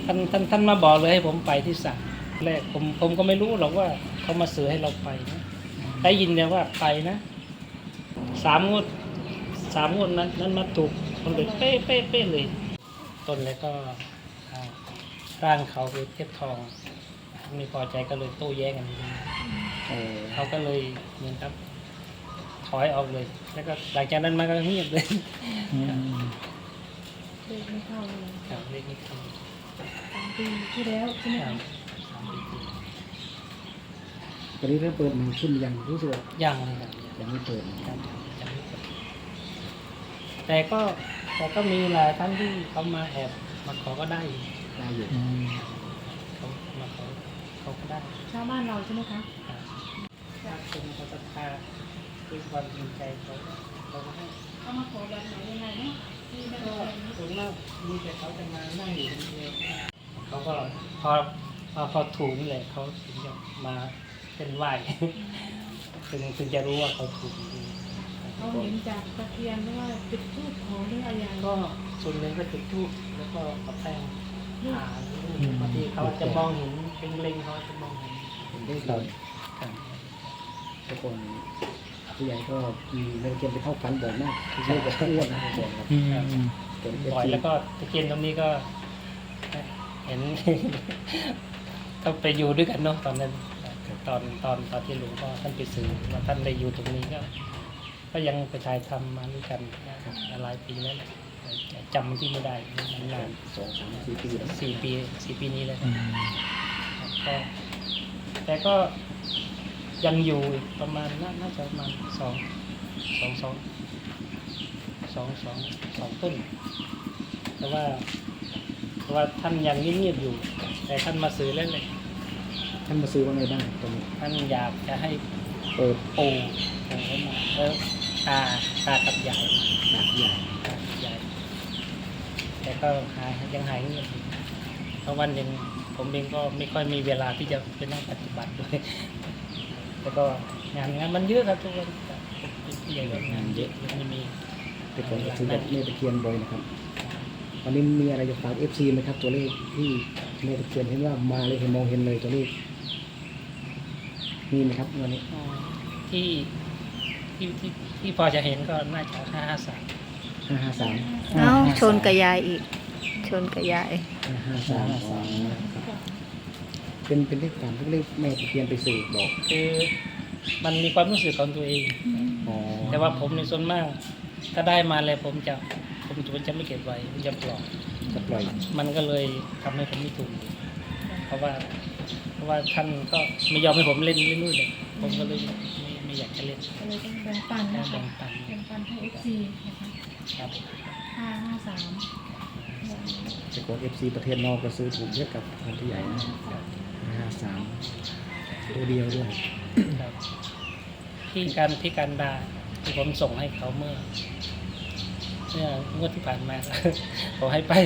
ท่านมาบอกเลยให้ผมไปที่ศาลแรกผมก็ไม่รู้หรอกว่าเขามาสื่อให้เราไปนะได้ยินแต่ว่าไปนะ3 งวดนั้นมาถูกมันเลยเป๊ะเลยต้นแล้วก็ร่างเขาไปเทียบทองไม่พอใจก็เลยโต้แย้งกันเขาก็เลยเหมือนครับถอยออกเลย แล้วก็หลังจากนั้นมาก็เงียบเลยเลขไม่เข้าเลยครับเลขนี้เข้า 3 ปีที่แล้วใช่ไหมคะตอนนี้เริ่มเปิดมันขึ้นยังรู้สึกยังเลยครับยังไม่เปิดยังไม่เปิดแต่ก็มีหลายท่านที่เขามาแอบมาขอก็ได้อยู่เขามาขอเขาก็ได้ชาวบ้านเราใช่ไหมคะจากคนเขาศรัทธาด้วยความจริงใจเขาก็ให้เขามาขอแบบไหนยังไงเนาะที่ไม่ได้ส่วนมากมีแต่เขาจะมานั่งอยู่คนเดียวเขาก็พอถูกนี่แหละเขาถึงจะมาเป็นไหวถึงจะรู้ว่าเขาถูกเขาเห็นจากตะเคียนหรือว่าจุดธูปขอหรืออะไรก็ส่วนหนึ่งก็จุดธูปแล้วก็กับแป้งบางทีเขาจะมองเห็นเป็นเล็งเขาจะมองเห็นได้เลยทุกคนผู้ใหญ่ก็มีเรื่องเกมไปเข้าฝันบ่อยมากที่เรียกว่าอ้วนนะบ่อยครับบ่อยแล้วก็ตะเกียนตรงนี้ก็เห็นก็ไปอยู่ด้วยกันเนาะตอนนั้นตอนที่หลวงพ่อท่านไปสื่อว่าท่านได้อยู่ตรงนี้ก็ยังไปถ่ายทำมาด้วยกันหลายปีแล้วจำที่ไม่ได้นาน4 ปีนี้แล้วก็แต่ก็ยังอยู่ประมาณน่าจะประมาณ2 ต้นแต่ว่าท่านยังเงียบอยู่แต่ท่านมาซื้อแล้วเลยท่านมาซื้อว่าไงบ้างตรงนี้ท่านอยากจะให้เปิดปูให้มาแล้วตากับใหญ่แต่ก็ยังหายเงียบเพราะวันหนึ่งผมเองก็ไม่ค่อยมีเวลาที่จะไปนั่งปฏิบัติด้วยแล้วก็งานมันเยอะครับทุกคนใหญ่งานเยอะไม่มีแต่ผมซื้อแบบเมตะเคียนบ่อยนะครับวันนี้มีอะไรจะฝาก FC ไหมครับตัวเลขที่เมตะเคียนเห็นว่ามาเลยเห็นมองเห็นเลยตัวเลขมีไหมครับวันนี้ที่พอจะเห็นก็น่าจะ553 553 ชนกระยายอีกชนกระยาย 553เป็นเลขฝันเลขแม่ตะเคียนไปสื่อบอกคือมันมีความรู้สึกของตัวเองแต่ว่าผมในส่วนมากถ้าได้มาเลยผมจะไม่เก็บไว้ผมจะปล่อยมันก็เลยทำให้ผมไม่ถูกเพราะว่าท่านก็ไม่ยอมให้ผมเล่นนู่นเลยผมก็เลยไม่อยากจะเล่นเลยต้องแบ่งปันนะคะแบ่งปันให้ FC นะคะครับ 553 จะกด FC ประเทศนอกก็ซื้อถูกเยอะกับคนที่ใหญ่นะ53ตัวเดียวด้วยพี่การดาที่ผมส่งให้เขาเมื่องวดที่ผ่านมาผมให้ไป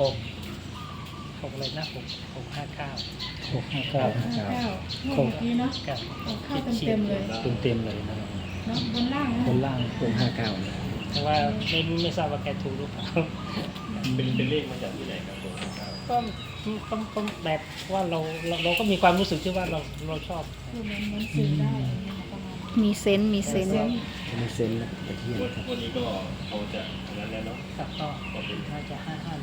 6อะไรนะ659 นี่เนาะเข้าเต็มเลยนะเนาะบนล่าง 659นะแต่ว่าไม่ทราบว่าแกถูกหรือเปล่าเป็นเลขมาจากที่ไหนครับก็แบบว่าเราก็มีความรู้สึกที่ว่าเราชอบเหมือนสื่อได้มีเซนมีเซนแล้วตะเคียนวันนี้ก็เขาจะนั้นแล้วเนาะครับก็เป็นน่าจะ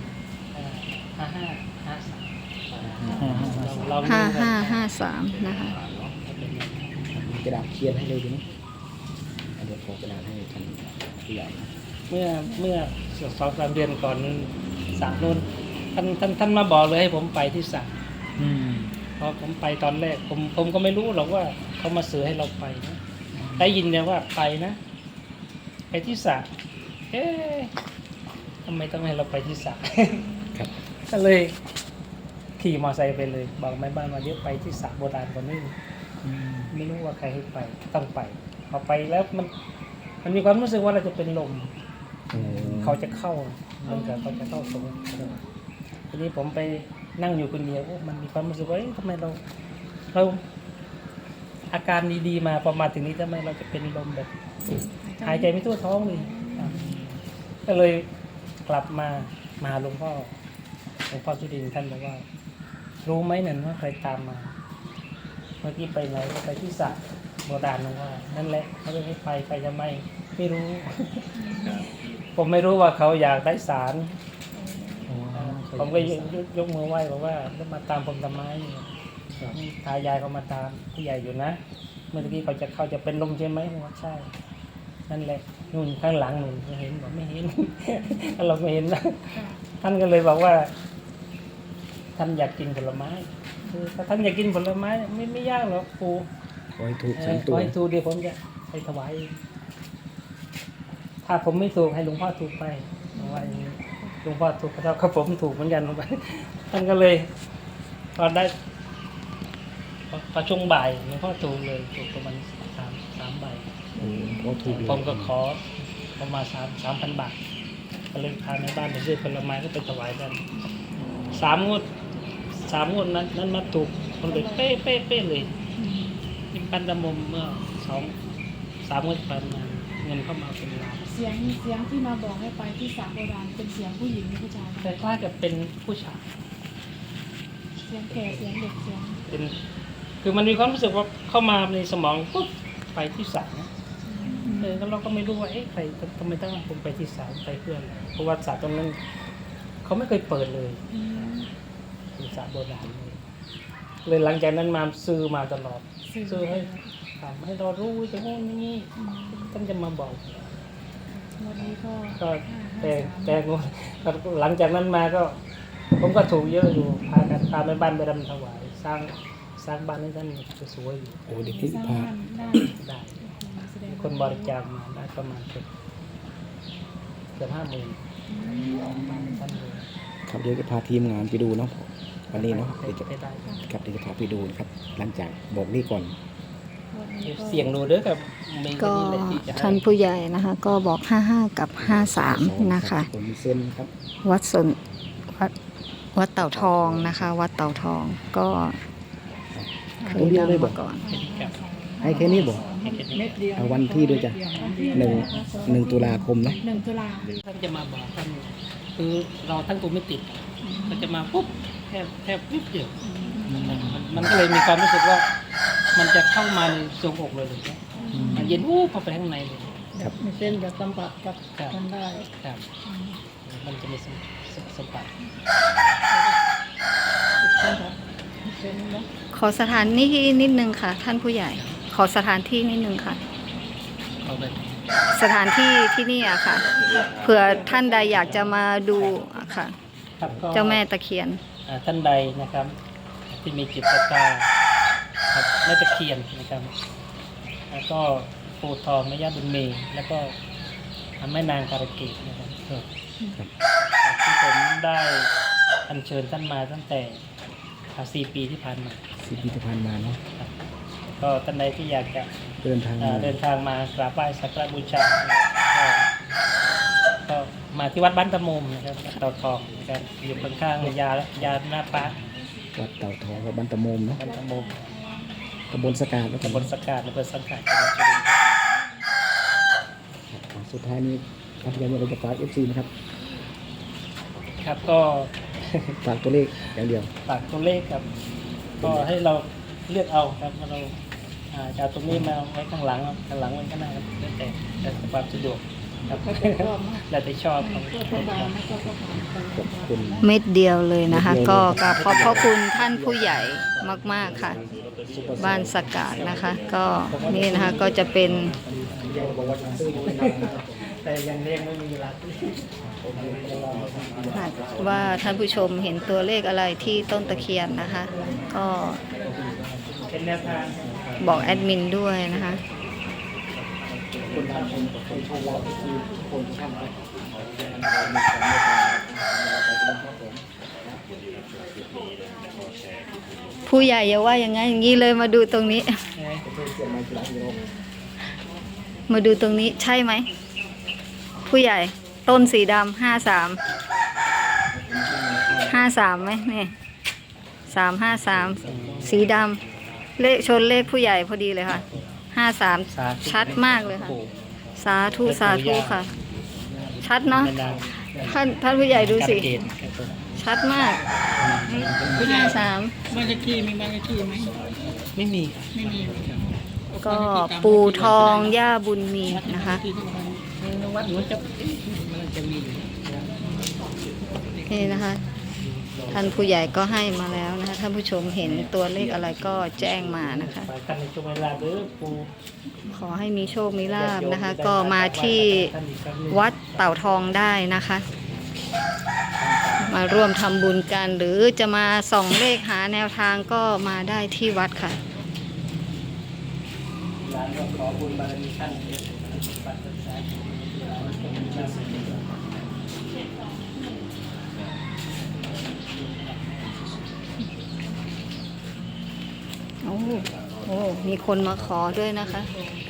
5553นะคะกระดาษเขียนให้เลยดีไหมเดี๋ยวขอกระดาษให้ท่านผู้ใหญ่เมื่อ2-3 เดือนก่อนศาลนู้นท่านมาบอกเลยให้ผมไปที่ศาลพอผมไปตอนแรกผมก็ไม่รู้หรอกว่าเขามาสื่อให้เราไปนะได้ยินแต่ว่าไปนะไปที่ศาลทำไมต้องให้เราไปที่ศาลก็เลยขี่มอเตอร์ไซค์ไปเลยบอกแม่บ้านมาเดี๋ยวไปที่ศาลโบราณคนนี้ไม่รู้ว่าใครให้ไปต้องไปพอไปแล้วมันมีความรู้สึกว่าเราจะเป็นลมเขาจะเข้าเหมือนกับเขาจะเข้าสงทีนี้ผมไปนั่งอยู่คนเดียวมันมีความรู้สึกว่าทำไมเราอาการดีๆมาพอมาถึงนี้ทำไมเราจะเป็นลมแบบหายใจไม่ทั่วท้องเลยก็เลยกลับมาหลวงพ่อหลวงพ่อสุรินทร์ท่านบอกว่า รู้ไหมนั่นว่าใครตามมา เมื่อกี้ไปไหนก็ไปที่สระโบราณนั่นว่านั่นแหละเขาไม่ให้ไปจะไม่รู้ ผมไม่รู้ว่าเขาอยากได้สารอ๋อผมก็ยกมือไหว้บอกว่าแล้วมาตามผมทำไมตายายเขามาตามผู้ใหญ่อยู่นะ เมื่อกี้เขาจะเป็นลมใช่ไหมผมว่าใช่ นั่นแหละนู่นข้างหลังนู่นไม่เห็นบอกไม่เห็น เราไม่เห็นนะท่านก็เลยบอกว่า ท่านอยากกินผลไม้คือถ้าท่านอยากกินผลไม้ไม่ยากหรอกปู่ขอให้ถูกข 3 อตัวให้ถูกเดี๋ยวผมจะไปถวายถ้าผมไม่ถูกให้หลวงพ่อถูกไปบอกว่าอย่างนี้หลวงพ่อถูกก็เท่ากับผมถูกเหมือนกันลงไป ท่านก็เลยพอได้พอช่วงบ่ายหลวงพ่อถูกเลยถูกประมาณสามใบโอ้ขอถูกเลยผมก็ขอประมาณ3,000 บาทก็เลยพาในบ้านไปซื้อผลไม้ก็ไปถวายกัน3 งวดนั้นมาถูกคนเลยเป๊ะเลยนี่ปันดำมมเมื่อ3 งวดผ่านมาเงินเข้ามาเป็นล้านเสียงที่มาบอกให้ไปที่สระโบราณเป็นเสียงผู้หญิงหรือผู้ชายแต่คล้ายกับเป็นผู้ชายเสียงแก่เสียงเด็กเสียงเป็นคือมันมีความรู้สึกว่าเข้ามาในสมองปุ๊บไปที่สระนะแล้วเราก็ไม่รู้ว่าใครทำไมต้องผมไปที่สระไปเพื่อนเพราะว่าสระตรงนั้นเขาไม่เคยเปิดเลยอืมเป็นสระโบราณเลยหลังจากนั้นมาซื้อมาตลอดซื้อให้ถามให้เรารู้จะโน่นนี่ท่านจะมาบอกวันนี้ก็ก็แต่งงหลังจากนั้นมาก็ ผมก็ถูกเยอะอยู่พากันพาแม่บ้านไปรำถวายสร้างบ้านให้ท่านสวยๆอยู่โอ้เด็กที่สร้างพาบ้านได้ได้แสดงคนบริจาคมาได้ประมาณเกือบ50,000ท่านเลยครับเดี๋ยวจะพาทีมงานไปดูเนาะวันนี้เนาะเดี๋ยวจะไปได้ครับเดี๋ยวจะพาไปดูนะครับหลังจากบอกนี่ก่อนวันนี้ก็เสียงดูเด้อกับมีก็นี่แหละที่จะให้ท่านผู้ใหญ่นะคะ ก็บอก55กับ53นะคะผมมีเส้นครับวัดสนวัดเต่าทองนะคะ วัดเต่าทองก็เคยดังมาก่อนครับให้แค่นี้บอกให้แค่นี้เม็ดเดียวเอาวันที่ด้วยจ้ะ1 ตุลาคมนะ 1 ตุลาท่านจะมาบอกท่านคือเราทั้งตัวไม่ติดก็จะมาปุ๊บแค่ปุ๊บเดียวมันก็เลยมีความรู้สึกว่า มันจะเข้ามาในทรวงอกเลยมันเย็นวูบเข้าไปข้างในเลยครับมีเส้นจะสัมผัสกับครับกันได้ครับ มันจะมีสัมผัสเส้นเนาะขอสถานที่นิดนึงค่ะ ท่านผู้ใหญ่ ขอสถานที่นิดนึงค่ะเอาไปสถานที่ที่นี่อะค่ะเผื่อท่านใดอยากจะมาดูอะค่ะครับก็เจ้าแม่ตะเคียนท่านใดนะครับ ที่มีจิตศรัทธาครับแม่ตะเคียนนะครับ แล้วก็ปู่ทองแม่ย่าบุญมีแล้วก็แม่นางการะเกดนะครับที่ผมได้อัญเชิญท่านมาตั้งแต่4 ปีที่ผ่านมา 4 ปีที่ผ่านมาเนาะครับก็ท่านใดที่อยากจะเดินทางมาเดินทางมากราบไหว้สักการะบูชาก็มาที่วัดบ้านตะมุมนะครับวัดเต่าทองนะครับอยู่ข้างๆยาหน้าปาร์ควัดเต่าทองกับบ้านตะโมมเนาะบ้านตะมุมตำบลสกาดแล้วกันตำบลสกาดอำเภอสังขะจังหวัดสุรินทร์ครับสุดท้ายนี้ครับยังมีอะไรจะฝาก FC นะครับครับก็ฝากตัวเลขอย่างเดียวฝากตัวเลขครับ ก็ให้เราเลือกเอาครับว่าเราจะเอาตรงนี้มาไว้ข้างหลังไว้ข้างหน้าครับแล้วแต่ความสะดวกครับ แล้วแต่ชอบครับก็ประมาณนั้นก็ประมาณไปขอบคุณเม็ดเดียวเลยนะคะ ก็กราบขอบพระคุณท่านผู้ใหญ่มากๆค่ะ บ้านสกาดนะคะ ก็นี่นะคะก็จะเป็นแต่ยังเรียกไม่มีรักว่าท่านผู้ชมเห็นตัวเลขอะไรที่ต้นตะเคียนนะคะ ก็เป็นแนวทางบอกแอดมินด้วยนะคะ ผู้ใหญ่อย่าว่าอย่างงั้นอย่างนี้เลยมาดูตรงนี้ มาดูตรงนี้ใช่ไหม ผู้ใหญ่ต้นสีดำ53ไหมนี่353สีดำเลขชนเลขผู้ใหญ่พอดีเลยค่ะ53ชัดมากเลยค่ะ สาธุสาธุค่ะ ชัดเนาะแม่นางท่านผู้ใหญ่ดูสิการเกณฑ์ครับผมชชัดมาก53 บ้านเลขที่มีบ้านเลขที่ไหมไม่มีไม่มีก็ปู่ทองย่าบุญมีนะคะที่ทุกคนในวัดหนูจะมันจะมีอยู่นี่นะคะ ท่านผู้ใหญ่ก็ให้มาแล้วนะคะท่านผู้ชมเห็นตัวเลขอะไรก็แจ้งมานะคะไปกันในช่วงเวลาเด้อปูขอให้มีโชคมีลาภนะคะ ก็มาที่วัดเต่าทองได้นะคะ มาร่วมทำบุญกันหรือจะมาส่องเลขหาแนวทางก็มาได้ที่วัดค่ะร้านก็ขอบุญบารมีท่านเองปัจจัยร้านก็มีหน้าที่โอ้ มีคนมาขอด้วยนะคะข